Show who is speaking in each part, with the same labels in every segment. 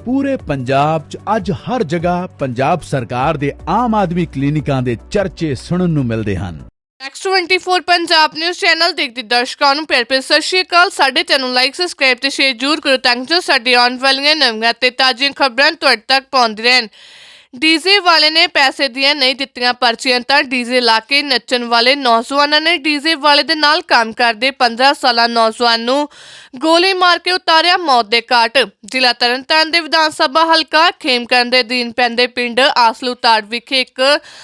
Speaker 1: ਪੂਰੇ ਪੰਜਾਬ 'ਚ ਅੱਜ ਹਰ ਜਗ੍ਹਾ ਪੰਜਾਬ ਸਰਕਾਰ ਦੇ ਆਮ ਆਦਮੀ ਕਲੀਨਿਕਾਂ ਦੇ ਚਰਚੇ ਸੁਣਨ ਨੂੰ ਮਿਲਦੇ ਹਨ।
Speaker 2: ਨੈਕਸਟ 24 ਪੰਜਾਬ ਨਿਊਜ਼ ਚੈਨਲ ਦੇਖਦੇ ਦਰਸ਼ਕਾਂ ਨੂੰ ਪਿਆਰ ਭਰੀ ਸਤਿ ਸ਼੍ਰੀ ਅਕਾਲ। ਸਾਡੇ ਚੈਨਲ ਨੂੰ ਲਾਈਕ ਸਬਸਕ੍ਰਾਈਬ ਤੇ ਸ਼ੇਅਰ ਜ਼ਰੂਰ ਕਰੋ ਤਾਂ ਜੋ ਸਾਡੀ ਆਉਣ ਵਾਲੀਆਂ ਨਵੀਆਂ ਤੇ ਤਾਜ਼ੀਆਂ ਖਬਰਾਂ ਤੁਹਾਡੇ ਤੱਕ ਪਹੁੰਚਦੀ ਰਹਿਣ। ਡੀਜ਼ੇ ਵਾਲੇ ਨੇ ਪੈਸੇ ਦੀਆਂ ਨਹੀਂ ਦਿੱਤੀਆਂ ਪਰਚੀਆਂ ਤਾਂ ਡੀਜ਼ੇ ਲਾ ਕੇ ਨੱਚਣ ਵਾਲੇ ਨੌਜਵਾਨਾਂ ਨੇ ਡੀਜ਼ੇ ਵਾਲੇ ਦੇ ਨਾਲ ਕੰਮ ਕਰਦੇ 15 ਸਾਲਾ ਨੌਜਵਾਨ ਨੂੰ ਗੋਲੀ ਮਾਰ ਕੇ ਉਤਾਰਿਆ ਮੌਤ ਦੇ ਘਾਟ। ਜ਼ਿਲ੍ਹਾ ਤਰਨਤਾਰਨ ਦੇ ਵਿਧਾਨ ਸਭਾ ਹਲਕਾ ਖੇਮਕਰਨ ਦੇ ਅਧੀਨ ਪੈਂਦੇ ਪਿੰਡ ਆਸਲੂਤਾੜ ਵਿਖੇ ਇੱਕ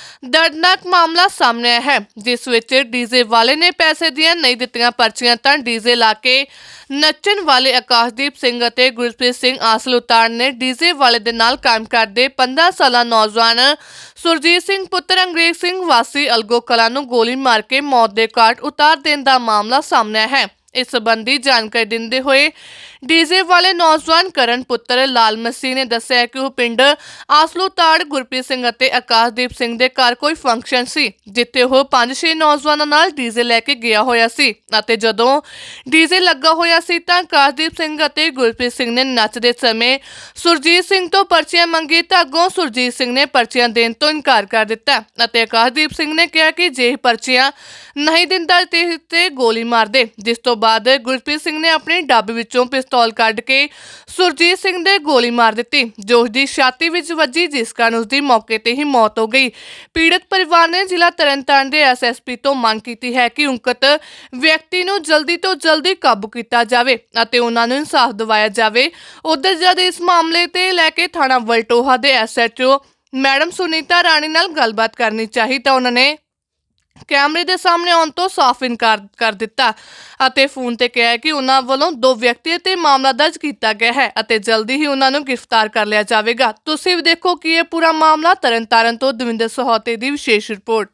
Speaker 2: ਦਰਦਨਾਕ ਮਾਮਲਾ ਸਾਹਮਣੇ ਆਇਆ ਹੈ, ਜਿਸ ਵਿੱਚ ਡੀਜ਼ੇ ਵਾਲੇ ਨੇ ਪੈਸੇ ਦੀਆਂ ਨਹੀਂ ਦਿੱਤੀਆਂ ਪਰਚੀਆਂ ਤਾਂ ਡੀਜ਼ੇ ਲਾ ਕੇ ਨੱਚਣ ਵਾਲੇ ਆਕਾਸ਼ਦੀਪ ਸਿੰਘ ਅਤੇ ਗੁਰਪ੍ਰੀਤ ਸਿੰਘ ਆਸਲੂਤਾੜ ਨੇ ਡੀਜ਼ੇ ਵਾਲੇ ਦੇ ਨਾਲ ਕੰਮ ਕਰਦੇ 15 ਸਾਲਾ ਨੌਜਵਾਨ ਸੁਰਜੀਤ ਸਿੰਘ ਪੁੱਤਰ ਅੰਗਰੇਜ਼ ਸਿੰਘ ਵਾਸੀ ਅਲਗੋ ਕਲਾਂ ਨੂੰ ਗੋਲੀ ਮਾਰ ਕੇ ਮੌਤ ਦੇ ਘਾਟ ਉਤਾਰ ਦੇਣ ਦਾ ਮਾਮਲਾ ਸਾਹਮਣੇ ਆਇਆ ਹੈ। ਇਸ ਸੰਬੰਧੀ ਜਾਣਕਾਰੀ ਦਿੰਦੇ ਹੋਏ ਡੀਜ਼ੇ ਵਾਲੇ ਨੌਜਵਾਨ ਕਰਨ ਪੁੱਤਰ ਲਾਲ ਮਸੀਹ ਨੇ ਦੱਸਿਆ ਕਿ ਉਹ ਪਿੰਡ ਆਸਲੂਤਾੜ ਗੁਰਪ੍ਰੀਤ ਸਿੰਘ ਅਤੇ ਆਕਾਸ਼ਦੀਪ ਸਿੰਘ ਦੇ ਘਰ ਕੋਈ ਫੰਕਸ਼ਨ ਸੀ, ਜਿੱਥੇ ਉਹ 5-6 ਨੌਜਵਾਨਾਂ ਨਾਲ ਡੀਜ਼ੇ ਲੈ ਕੇ ਗਿਆ ਹੋਇਆ ਸੀ ਅਤੇ ਜਦੋਂ ਡੀਜ਼ੇ ਲੱਗਾ ਹੋਇਆ ਸੀ ਤਾਂ ਆਕਾਸ਼ਦੀਪ ਸਿੰਘ ਅਤੇ ਗੁਰਪ੍ਰੀਤ ਸਿੰਘ ਨੇ ਨੱਚਦੇ ਸਮੇਂ ਸੁਰਜੀਤ ਸਿੰਘ ਤੋਂ ਪਰਚੀਆਂ ਮੰਗੀ ਤਾਂ ਅੱਗੋਂ ਸੁਰਜੀਤ ਸਿੰਘ ਨੇ ਪਰਚੀਆਂ ਦੇਣ ਤੋਂ ਇਨਕਾਰ ਕਰ ਦਿੱਤਾ ਅਤੇ ਆਕਾਸ਼ਦੀਪ ਸਿੰਘ ਨੇ ਕਿਹਾ ਕਿ ਜੇ ਪਰਚੀਆਂ ਨਹੀਂ ਦਿੰਦਾ ਤੇ ਗੋਲੀ ਮਾਰ ਦੇ। ਜਿਸ ਤੋਂ ਬਾਅਦ ਗੁਰਪ੍ਰੀਤ ਸਿੰਘ ਨੇ ਆਪਣੀ ਡੱਬ ਵਿੱਚੋਂ ਪਿਸਤੌਲ ਕੱਢ ਕੇ ਸੁਰਜੀਤ ਸਿੰਘ ਦੇ ਗੋਲੀ ਮਾਰ ਦਿੱਤੀ, ਜੋ ਉਸ ਦੀ ਛਾਤੀ ਵਿੱਚ ਵੱਜੀ, ਜਿਸ ਕਾਰਨ ਉਸ ਦੀ ਮੌਕੇ ਤੇ ਹੀ ਮੌਤ ਹੋ ਗਈ। ਪੀੜਤ ਪਰਿਵਾਰ ਨੇ ਜ਼ਿਲ੍ਹਾ ਤਰਨਤਾਰਨ ਦੇ ਐਸਐਸਪੀ ਤੋਂ ਮੰਗ ਕੀਤੀ ਹੈ ਕਿ ਉਕਤ ਵਿਅਕਤੀ ਨੂੰ ਜਲਦੀ ਤੋਂ ਜਲਦੀ ਕਾਬੂ ਕੀਤਾ ਜਾਵੇ ਅਤੇ ਉਹਨਾਂ ਨੂੰ ਇਨਸਾਫ ਦਿਵਾਇਆ ਜਾਵੇ। ਉਧਰ ਜਦ ਇਸ ਮਾਮਲੇ ਤੇ ਲੈ ਕੇ ਥਾਣਾ ਵਲਟੋਹਾ ਦੇ ਐਸਐਚਓ ਮੈਡਮ ਸੁਨੀਤਾ ਰਾਣੀ ਨਾਲ ਗੱਲਬਾਤ ਕਰਨੀ ਚਾਹੀ ਤਾਂ ਉਹਨਾਂ ਨੇ ਕੈਮਰੇ ਦੇ ਸਾਹਮਣੇ ਆਉਣ ਤੋਂ ਸਾਫ਼ ਇਨਕਾਰ ਕਰ ਦਿੱਤਾ ਅਤੇ ਫੋਨ ਤੇ ਕਿਹਾ ਕਿ ਉਹਨਾਂ ਵੱਲੋਂ 2 ਵਿਅਕਤੀਆਂ ਤੇ ਮਾਮਲਾ ਦਰਜ ਕੀਤਾ ਗਿਆ ਹੈ ਅਤੇ ਜਲਦੀ ਹੀ ਉਹਨਾਂ ਨੂੰ ਗ੍ਰਿਫਤਾਰ ਕਰ ਲਿਆ ਜਾਵੇਗਾ। ਤੁਸੀਂ ਵੀ ਦੇਖੋ ਕਿ ਇਹ ਪੂਰਾ ਮਾਮਲਾ ਤਰਨਤਾਰਨ ਤੋਂ ਦਵਿੰਦਰ ਸਹੋਤੇ ਦੀ ਵਿਸ਼ੇਸ਼ ਰਿਪੋਰਟ।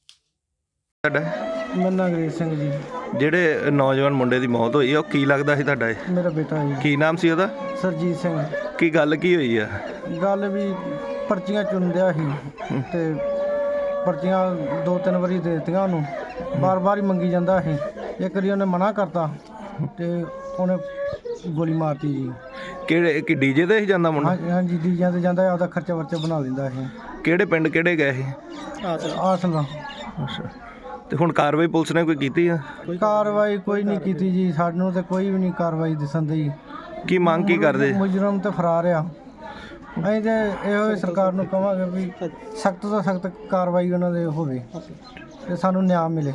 Speaker 3: ਮੰਨਾ ਅੰਗਰੇਜ਼ ਸਿੰਘ ਜੀ।
Speaker 4: ਜਿਹੜੇ ਨੌਜਵਾਨ ਮੁੰਡੇ ਦੀ ਮੌਤ ਹੋਈ ਆ, ਉਹ ਕੀ ਲੱਗਦਾ ਸੀ ਤੁਹਾਡਾ? ਇਹ
Speaker 3: ਮੇਰਾ ਬੇਟਾ ਜੀ।
Speaker 4: ਕੀ ਨਾਮ ਸੀ ਉਹਦਾ?
Speaker 3: ਸਰਜੀਤ ਸਿੰਘ।
Speaker 4: ਕੀ ਗੱਲ ਕੀ ਹੋਈ ਆ?
Speaker 3: ਗੱਲ ਵੀ ਪਰਚੀਆਂ ਚੁਣਦਿਆ ਸੀ ਤੇ ਪਰਚੀਆਂ 2-3 ਵਾਰੀ ਦੇ ਦਿੱਤੀਆਂ ਉਹਨੂੰ, ਬਾਰ-ਬਾਰ ਹੀ ਮੰਗੀ ਜਾਂਦਾ ਸੀ। ਇੱਕ ਵਾਰੀ ਉਹਨੇ ਮਨਾ ਕਰਤਾ ਤੇ ਉਹਨੇ ਗੋਲੀ ਮਾਰਤੀ ਜੀ।
Speaker 4: ਕਿਹੜੇ ਕਿ ਡੀਜੇ ਤੇ ਹੀ ਜਾਂਦਾ ਮੁੰਡਾ?
Speaker 3: ਹਾਂਜੀ ਡੀਜਿਆਂ ਤੇ ਜਾਂਦਾ, ਆਪਦਾ ਖਰਚਾ ਵਰਚਾ ਬਣਾ ਲੈਂਦਾ ਸੀ।
Speaker 4: ਕਿਹੜੇ ਪਿੰਡ ਕਿਹੜੇ ਗਏ ਸੀ?
Speaker 3: ਆਸਲਾ।
Speaker 4: ਅੱਛਾ, ਤੇ ਹੁਣ ਕਾਰਵਾਈ ਪੁਲਿਸ ਨੇ ਕੋਈ ਕੀਤੀ ਆ?
Speaker 3: ਕਾਰਵਾਈ ਕੋਈ ਨਹੀਂ ਕੀਤੀ ਜੀ, ਸਾਨੂੰ ਤੇ ਕੋਈ ਵੀ ਨਹੀਂ ਕਾਰਵਾਈ ਦਿਸਣ ਦੀ।
Speaker 4: ਕੀ ਮੰਗ ਕੀ ਕਰਦੇ?
Speaker 3: ਮੁਜਰਮ ਤੇ ਫਰਾਰ ਆ। ਅਸੀਂ ਤੇ ਇਹੋ ਸਰਕਾਰ ਨੂੰ ਕਹਾਂਗੇ ਵੀ ਸਖਤ ਤੋਂ ਸਖਤ ਕਾਰਵਾਈ ਉਹਨਾਂ ਦੇ ਹੋਵੇ ਤੇ ਸਾਨੂੰ ਨਿਆਂ ਮਿਲੇ।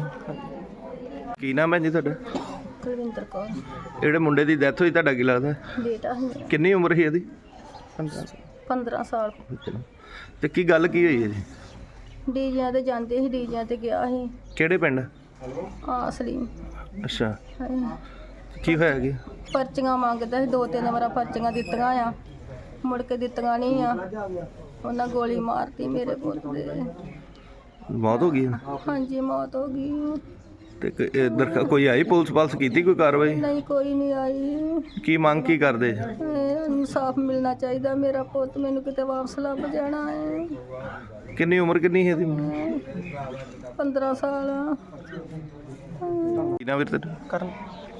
Speaker 4: ਕੀ ਨਾਮ ਹੈ ਜੀ ਤੁਹਾਡਾ?
Speaker 5: ਕੁਲਵਿੰਦਰ ਕੌਰ।
Speaker 4: ਜਿਹੜੇ ਮੁੰਡੇ ਦੀ ਡੈਥ ਹੋਈ, ਤੁਹਾਡਾ ਕੀ ਲੱਗਦਾ?
Speaker 5: ਬੇਟਾ ਸੀ ਮੇਰਾ।
Speaker 4: ਕਿੰਨੀ ਉਮਰ ਸੀ ਇਹਦੀ?
Speaker 5: 15 ਸਾਲ।
Speaker 4: ਤੇ ਕੀ ਗੱਲ ਕੀ ਹੋਈ ਹੈ ਜੀ?
Speaker 5: ਡੀਜਿਆਂ ਤੇ ਜਾਂਦੇ ਸੀ, ਡੀਜਿਆਂ ਤੇ ਗਿਆ ਸੀ।
Speaker 4: ਕਿਹੜੇ ਪਿੰਡ?
Speaker 5: ਅਸਲੀ।
Speaker 4: ਅੱਛਾ, ਕੀ ਹੋਇਆ ਕੀ?
Speaker 5: ਪਰਚੀਆਂ ਮੰਗਦਾ ਸੀ, 2-3 ਵਾਰ ਪਰਚੀਆਂ ਦਿੱਤੀਆਂ ਆ, ਮੁੜ ਕੇ ਦਿੱਤੀਆਂ ਨਹੀਂ ਆ। ਉਹਨਾਂ ਗੋਲੀ ਮਾਰਤੀ ਮੇਰੇ ਪੁੱਤ ਦੇ।
Speaker 4: ਮੌਤ ਹੋ ਗਈ?
Speaker 5: ਹਾਂਜੀ ਮੌਤ ਹੋ ਗਈ।
Speaker 4: ਤੇ ਇੱਧਰ ਕੋਈ ਆਈ ਪੁਲਿਸ ਪਾਲਸ ਕੀਤੀ ਕੋਈ ਕਾਰਵਾਈ?
Speaker 5: ਨਹੀਂ ਕੋਈ ਨਹੀਂ ਆਈ।
Speaker 4: ਕੀ ਮੰਗ ਕੀ ਕਰਦੇ?
Speaker 5: ਇਨਸਾਫ ਮਿਲਣਾ ਚਾਹੀਦਾ, ਮੇਰਾ ਪੁੱਤ ਮੈਨੂੰ ਕਿਤੇ ਵਾਪਸ ਲੱਭ ਜਾਣਾ ਹੈ।
Speaker 4: ਕਿੰਨੀ ਉਮਰ ਕਿੰਨੀ ਹੈ ਇਹਦੀ?
Speaker 5: 15 ਸਾਲ।
Speaker 4: ਕੀ ਨਾਮ ਵੀਰ ਤੇਰਾ?
Speaker 3: ਕਰਨ।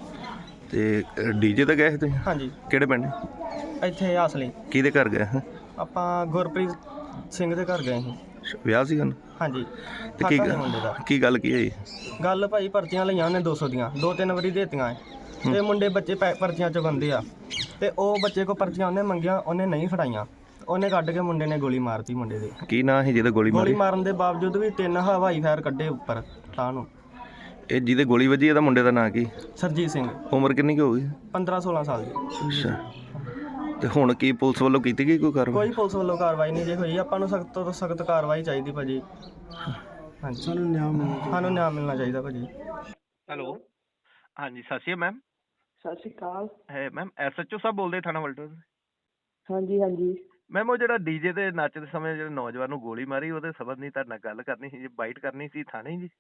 Speaker 4: ਤੇ ਡੀਜੇ ਤੇ ਗਏ ਸੀ ਤੁਸੀਂ?
Speaker 3: ਹਾਂਜੀ।
Speaker 4: ਕਿਹੜੇ ਪਿੰਡ?
Speaker 3: ਇੱਥੇ ਅਸਲੀ।
Speaker 4: ਕਿਹਦੇ ਘਰ ਗਏ?
Speaker 3: ਆਪਾਂ ਗੁਰਪ੍ਰੀਤ ਸਿੰਘ ਦੇ ਘਰ ਗਏ ਸੀ।
Speaker 4: ਵਿਆਹ ਸੀ ਉਹਨੂੰ?
Speaker 3: ਹਾਂਜੀ।
Speaker 4: ਤੇ ਕੀ ਗੱਲ ਕੀ ਹੋਈ?
Speaker 3: ਗੱਲ ਭਾਈ ਪਰਚੀਆਂ ਲਈਆਂ ਉਹਨੇ 200 ਦੀਆਂ, 2-3 ਵਾਰੀ ਦੇਤੀਆਂ ਤੇ ਮੁੰਡੇ ਬੱਚੇ ਪਰਚੀਆਂ ਚੁਕਾਉਂਦੇ ਆ ਤੇ ਉਹ ਬੱਚੇ ਕੋ ਪਰਚੀਆਂ ਉਹਨੇ ਮੰਗੀਆਂ, ਉਹਨੇ ਨਹੀਂ ਫੜਾਈਆਂ, ਉਹਨੇ ਕੱਢ ਕੇ ਮੁੰਡੇ ਨੇ ਗੋਲੀ ਮਾਰਤੀ ਮੁੰਡੇ ਦੇ।
Speaker 4: ਕੀ ਨਾਂ ਸੀ ਜਿਹਦੇ ਗੋਲੀ ਮਾਰੀ?
Speaker 3: ਗੋਲੀ ਮਾਰਨ ਦੇ ਬਾਵਜੂਦ ਵੀ 3 ਹਵਾਈ ਫਾਇਰ ਕੱਢੇ ਉੱਪਰ ਤਾਂ ਨੂੰ।
Speaker 4: ਇਹ ਜਿਹਦੇ ਗੋਲੀ ਵੱਜੀ ਇਹਦਾ ਮੁੰਡੇ ਦਾ ਨਾਂ ਕੀ?
Speaker 3: ਸਰਜੀਤ ਸਿੰਘ।
Speaker 4: ਉਮਰ ਕਿੰਨੀ ਕੁ ਹੋ ਗਈ?
Speaker 3: 15-16 ਸਾਲ ਦੀ।
Speaker 4: ਅੱਛਾ, ਤੇ ਹੁਣ ਕੀ ਪੁਲਿਸ ਵੱਲੋਂ ਕੀਤੀ ਗਈ ਕੋਈ ਕਾਰਵਾਈ?
Speaker 3: ਕੋਈ ਪੁਲਿਸ ਵੱਲੋਂ ਕਾਰਵਾਈ ਨਹੀਂ ਜੇ ਹੋਈ। ਆਪਾਂ ਨੂੰ ਸਖਤ ਤੋਂ ਸਖਤ ਕਾਰਵਾਈ ਚਾਹੀਦੀ ਭਾਜੀ। ਹਾਂਜੀ, ਸਾਨੂੰ ਨਿਆਂ ਮਿਲਣਾ ਚਾਹੀਦਾ ਭਾਜੀ।
Speaker 4: ਹੈਲੋ, ਹਾਂਜੀ ਸਤਿ ਸ਼੍ਰੀ ਅਕਾਲ ਮੈਮ।
Speaker 6: ਸਤਿ ਸ਼੍ਰੀ ਅਕਾਲ।
Speaker 4: ਹੈ ਮੈਮ ਐਸਐਚਓ ਸਾਹਿਬ ਬੋਲਦੇ ਥਾਣਾ ਵਲਟੋਹਾ?
Speaker 6: ਹਾਂਜੀ ਹਾਂਜੀ।
Speaker 4: ਮੈਮ ਉਹ ਜਿਹੜਾ ਡੀਜੇ ਤੇ ਨੱਚਦੇ ਸਮੇਂ ਜਿਹੜੇ ਨੌਜਵਾਨ ਨੂੰ ਗੋਲੀ ਮਾਰੀ, ਉਹਦੇ ਸਬੰਧ ਨਹੀਂ ਤੁਹਾਡੇ ਨਾਲ ਗੱਲ ਕਰਨੀ ਸੀ ਜੀ, ਬਾਈਟ ਕਰਨੀ ਸੀ ਥਾਣੇ ਜੀ।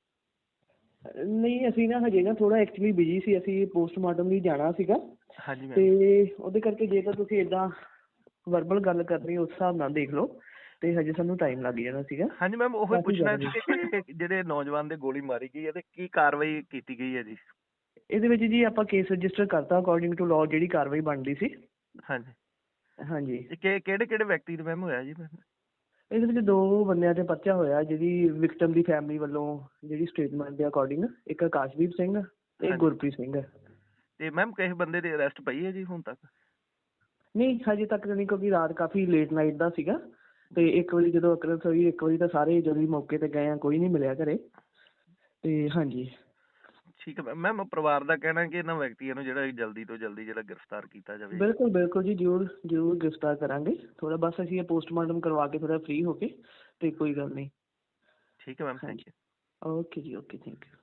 Speaker 6: ਨਹੀਂ ਅਸੀਂ ਨਾ ਹਜੇ ਨਾ ਥੋੜਾ ਐਕਚੁਅਲੀ ਬਿਜੀ ਸੀ, ਅਸੀਂ ਪੋਸਟਮਾਰਟਮ ਲਈ ਜਾਣਾ ਸੀਗਾ।
Speaker 4: ਹਾਂਜੀ ਮੈਮ।
Speaker 6: ਤੇ ਉਹਦੇ ਕਰਕੇ ਜੇ ਤਾਂ ਤੁਸੀਂ ਏਦਾਂ ਵਰਬਲ ਗੱਲ ਕਰਨੀ ਉਸ ਹਿਸਾਬ ਨਾਲ ਦੇਖ ਲਓ, ਤੇ ਹਜੇ ਸਾਨੂੰ ਟਾਈਮ ਲੱਗ ਜਾਣਾ ਸੀਗਾ।
Speaker 4: ਹਾਂਜੀ ਮੈਮ, ਉਹ ਪੁੱਛਣਾ ਸੀ ਕਿ ਜਿਹੜੇ ਨੌਜਵਾਨ ਦੇ ਗੋਲੀ ਮਾਰੀ ਗਈ ਹੈ ਤੇ ਕੀ ਕਾਰਵਾਈ ਕੀਤੀ ਗਈ ਹੈ ਜੀ?
Speaker 6: ਇਹਦੇ ਵਿੱਚ ਜੀ ਆਪਾਂ ਕੇਸ ਰਜਿਸਟਰ ਕਰਤਾ ਅਕੋਰਡਿੰਗ ਟੂ ਲਾਅ, ਜਿਹੜੀ ਕਾਰਵਾਈ ਬਣਦੀ ਸੀ।
Speaker 4: ਹਾਂਜੀ।
Speaker 6: ਹਾਂਜੀ
Speaker 4: ਕਿਹੜੇ ਕਿਹੜੇ ਵਿਅਕਤੀ ਦੇ ਮੈਮ ਹੋਇਆ ਜੀ ਮੈਮ?
Speaker 6: ਇਹਦੇ ਵਿੱਚ 2 ਬੰਦਿਆਂ ਤੇ ਪਰਚਾ ਹੋਇਆ, ਜਿਹਦੀ ਵਿਕਟਮ ਦੀ ਫੈਮਿਲੀ ਵੱਲੋਂ ਜਿਹੜੀ ਸਟੇਟਮੈਂਟ ਦੇ ਅਕੋਰਡਿੰਗ, ਇੱਕ ਆਕਾਸ਼ਦੀਪ ਸਿੰਘ ਤੇ
Speaker 4: ਹਾਂਜੀ।
Speaker 6: ਗੁਰਪ੍ਰੀਤ ਸਿੰਘ।
Speaker 4: ਤੇ ਮੈਮ ਕਿਸੇ ਬੰਦੇ ਦੀ ਅਰੈਸਟ ਪਈ ਹੈ ਜੀ ਹੁਣ ਤੱਕ?
Speaker 6: ਨਹੀਂ ਹਜੇ ਤੱਕ ਨਹੀਂ, ਕਿਉਂਕਿ ਰਾਤ ਕਾਫੀ ਲੇਟ ਨਾਈਟ ਦਾ ਸੀਗਾ ਤੇ 1 ਵਜੇ ਜਦੋਂ ਅਕਰੈਂਸ ਹੋਈ, 1 ਵਜੇ ਤਾਂ ਸਾਰੇ ਜਦੋਂ ਮੌਕੇ ਤੇ ਗਏ ਆ ਕੋਈ ਨਹੀਂ ਮਿਲਿਆ ਘਰੇ। ਤੇ ਹਾਂਜੀ
Speaker 4: ਠੀਕ ਹੈ ਮੈਮ, ਪਰਿਵਾਰ ਦਾ ਕਹਿਣਾ ਕਿ ਇਹਨਾਂ ਵਿਅਕਤੀਆਂ ਨੂੰ ਜਿਹੜਾ ਜਲਦੀ ਤੋਂ ਜਲਦੀ ਜਿਹੜਾ ਗ੍ਰਿਫਤਾਰ ਕੀਤਾ ਜਾਵੇ।
Speaker 6: ਬਿਲਕੁਲ ਬਿਲਕੁਲ ਜੀ, ਜ਼ਰੂਰ ਗ੍ਰਿਫਤਾਰ ਕਰਾਂਗੇ। ਥੋੜਾ ਬਸ ਅਸੀਂ ਇਹ ਪੋਸਟਮਾਰਟਮ ਕਰਵਾ ਕੇ ਥੋੜਾ ਫ੍ਰੀ ਹੋ ਕੇ, ਤੇ ਕੋਈ ਗੱਲ ਨਹੀਂ।
Speaker 4: ਠੀਕ ਹੈ ਮੈਮ, ਥੈਂਕ ਯੂ।
Speaker 6: ਓਕੇ ਜੀ, ਓਕੇ, ਥੈਂਕ ਯੂ।